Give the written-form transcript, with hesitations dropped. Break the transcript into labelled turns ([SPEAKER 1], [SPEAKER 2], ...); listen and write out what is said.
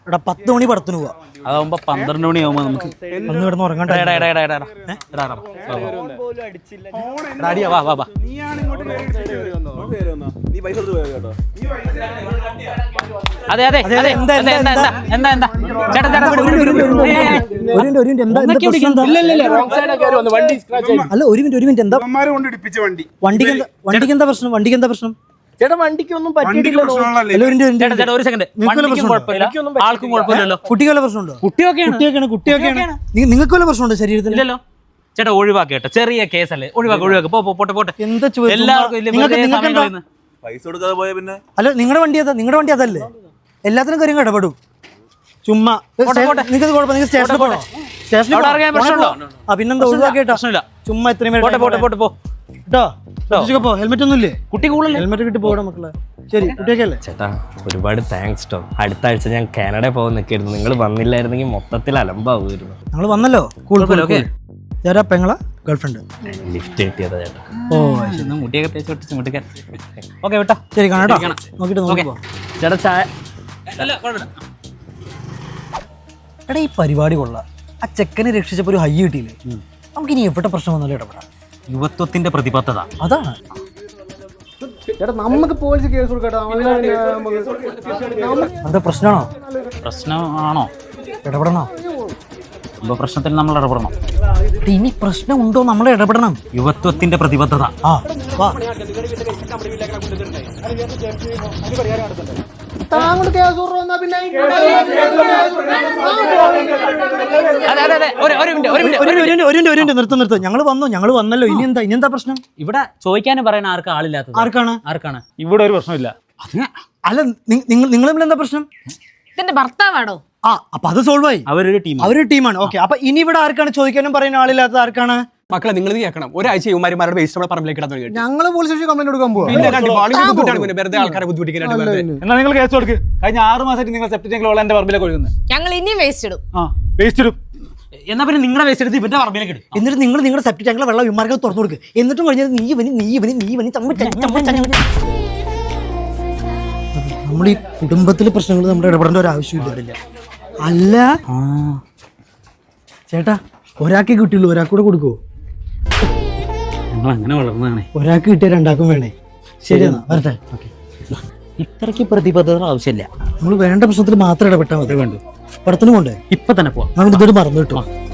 [SPEAKER 1] എടാ 10 മണി പടത്തിന് പോവാ.
[SPEAKER 2] അതാവുമ്പോ 12 മണിയാവുമ്പോ നമുക്ക്
[SPEAKER 1] ഒന്ന് കിടന്ന് ഉറങ്ങണ്ട.
[SPEAKER 2] അതെ അതെ എന്താ ചേട്ടാ
[SPEAKER 1] അല്ല ഒരു മിനിറ്റ് എന്താ വണ്ടിക്ക് എന്താ പ്രശ്നം?
[SPEAKER 3] ചേട്ടാ വണ്ടിക്ക് ഒന്നും പറ്റിയിട്ടില്ലല്ലോ.
[SPEAKER 2] ഒരു സെക്കൻഡ്, ആൾക്കും കുഴപ്പമില്ലല്ലോ.
[SPEAKER 1] കുട്ടിക്ക് വല്ല പ്രശ്നമുണ്ടോ? കുട്ടിയൊക്കെയാണ്. നിങ്ങൾക്ക് വല്ല പ്രശ്നമുണ്ടോ ശരീരത്തിൽ?
[SPEAKER 2] ഇല്ലല്ലോ ചേട്ടാ, ഒഴിവാക്കി കേട്ടോ, ചെറിയ കേസല്ലേ, ഒഴിവാക്കി പോട്ടെ.
[SPEAKER 1] എന്താ
[SPEAKER 2] എല്ലാവർക്കും
[SPEAKER 4] പൈസ കൊടുക്കാതെ പോയ പിന്നെ
[SPEAKER 1] അല്ല നിങ്ങളുടെ വണ്ടി അതല്ലേ, എല്ലാത്തിനും കാര്യം ഇടപെടും. ചുമ്മാ നിങ്ങൾക്ക് കുഴപ്പം, നിങ്ങൾ സ്റ്റേഷനിൽ പോകണോ? പിന്നെന്താ ഒഴിവാക്കിട്ടോ, ചുമ്മാ ഇത്രയും കേട്ടോ. ഹെൽമെറ്റ് ഒന്നും ഇല്ലേ?
[SPEAKER 2] കുട്ടി കൂടുതൽ
[SPEAKER 1] ഹെൽമെറ്റ് കിട്ടി പോകണം മക്കളെ. ശരി, കുട്ടിയൊക്കെ അല്ലേ?
[SPEAKER 3] ചേട്ടാ ഒരുപാട് താങ്ക്സ് ട്ടോ. അടുത്ത ആഴ്ച ഞാൻ കാനഡ പോകാൻ നിൽക്കായിരുന്നു. നിങ്ങൾ വന്നില്ലായിരുന്നെങ്കിൽ മൊത്തത്തിൽ അലമ്പാവുമായിരുന്നു.
[SPEAKER 1] ഞങ്ങൾ വന്നല്ലോ. ഞാനാ പെങ്ങളാ ഗേൾഫ്രണ്ട്
[SPEAKER 3] ലിഫ്റ്റ് കിട്ടിയതാ ചേട്ടാ.
[SPEAKER 2] മുടിയൊക്കെ തേച്ച് മുട്ടിക്കാൻ. ഓക്കെ വിട്ടോ,
[SPEAKER 1] ശരി കാണാട്ടോ, നോക്കിട്ട് നോക്കിപ്പോ.
[SPEAKER 3] ചേട്ടാ ചായ.
[SPEAKER 1] എടാ ഈ പരിപാടി കൊള്ളാം. ആ ചെക്കനെ രക്ഷിച്ചപ്പോ ഒരു ഹൈ കിട്ടിയില്ലേ? നമുക്ക് ഇനി എവിടെ പ്രശ്നം വന്നാലും ഇടപെടാം.
[SPEAKER 2] യുവത്വത്തിന്റെ പ്രതിബദ്ധത
[SPEAKER 1] അതാണ്.
[SPEAKER 5] ചേട്ടാ നമുക്ക് പോലീസ് കേസ് കൊടുക്കട്ടോ.
[SPEAKER 1] എന്താ
[SPEAKER 2] പ്രശ്നമാണോ?
[SPEAKER 1] ഇടപെടണോ?
[SPEAKER 2] ഇപ്പൊ പ്രശ്നത്തിൽ നമ്മൾ ഇടപെടണം.
[SPEAKER 1] ഇനി പ്രശ്നം ഉണ്ടോ നമ്മൾ ഇടപെടണം.
[SPEAKER 2] യുവത്വത്തിന്റെ പ്രതിബദ്ധത.
[SPEAKER 1] നിർത്ത്. ഞങ്ങൾ വന്നല്ലോ. ഇനി എന്താ പ്രശ്നം?
[SPEAKER 2] ഇവിടെ ചോദിക്കാനും പറയാൻ ആളില്ലാത്തത്. ആർക്കാണ്?
[SPEAKER 6] ഇവിടെ ഒരു പ്രശ്നമില്ല.
[SPEAKER 1] അല്ല നിങ്ങൾ തമ്മിൽ എന്താ പ്രശ്നം?
[SPEAKER 7] ഇതിന്റെ ഭർത്താവാണോ?
[SPEAKER 1] അപ്പൊ അത് സോൾവ് ആയി. അവരൊരു ടീമാണ്. ഓക്കെ, അപ്പൊ ഇനി ഇവിടെ ആർക്കാണ് ചോദിക്കാനും പറയാൻ ആളില്ലാത്ത? ആർക്കാണ്?
[SPEAKER 5] മക്കളെ നിങ്ങൾ കേൾക്കണം. ഒരാഴ്ച ഇവന്മാരുടെ വേസ്റ്റ് നമ്മുടെ പറമ്പിലേക്ക് ഇടാൻ തുടങ്ങി.
[SPEAKER 1] ഞങ്ങൾ പോലീസ് സ്റ്റേഷൻ കംപ്ലൈന്റ് കൊടുക്കാൻ പോകും.
[SPEAKER 5] വെറുതെ ആൾക്കാരെ ബുദ്ധിമുട്ടിക്കാനായിട്ട്.
[SPEAKER 6] എന്നാൽ നിങ്ങൾ കേസ് കൊടുക്ക്. കഴിഞ്ഞ 6 മാസമായിട്ട് നിങ്ങൾ സെപ്റ്റ് ടാങ്കിലുള്ള എന്റെ പറമ്പിലേക്ക് ഒഴുകുന്നത്.
[SPEAKER 7] ഞങ്ങൾ ഇനിയും വേസ്റ്റ് ഇടും.
[SPEAKER 6] വേസ്റ്റ് ഇടും.
[SPEAKER 2] എന്നാ പിന്നെ നിങ്ങളുടെ വേസ്റ്റ് എടുത്ത് ഇവന്റെ പറമ്പിലേക്ക് ഇടും.
[SPEAKER 1] എന്നിട്ട് നിങ്ങൾ നിങ്ങളുടെ സെപ്റ്റ് ടാങ്കിലെ വെള്ളം വിമാർക്ക് തുറന്നു കൊടുക്കുക. എന്നിട്ടും കഴിഞ്ഞാൽ നമ്മൾ ഈ കുടുംബത്തിലെ പ്രശ്നങ്ങൾ നമ്മൾ ഇടപെടേണ്ട ഒരു ആവശ്യമില്ല. അല്ല ചേട്ടാ, ഒരാൾക്ക് കിട്ടിയുള്ളൂ, ഒരാൾക്കൂടെ കൊടുക്കുവോ?
[SPEAKER 2] ഞങ്ങൾ അങ്ങനെ വളർന്നതാണ്.
[SPEAKER 1] ഒരാൾക്ക് കിട്ടിയ രണ്ടാക്കും വേണേ. ശരിയെന്നാ വരട്ടെ.
[SPEAKER 2] ഇത്രയ്ക്ക് പ്രതിബദ്ധത ആവശ്യമില്ല.
[SPEAKER 1] നമ്മൾ വേണ്ട പ്രശ്നത്തിൽ മാത്രം ഇടപെട്ടാൽ മതി. വേണ്ടു പടത്തിന് കൊണ്ടേ
[SPEAKER 2] ഇപ്പൊ തന്നെ പോവാം.
[SPEAKER 1] നമ്മൾ ഇതൊരു മറന്നു കിട്ടും.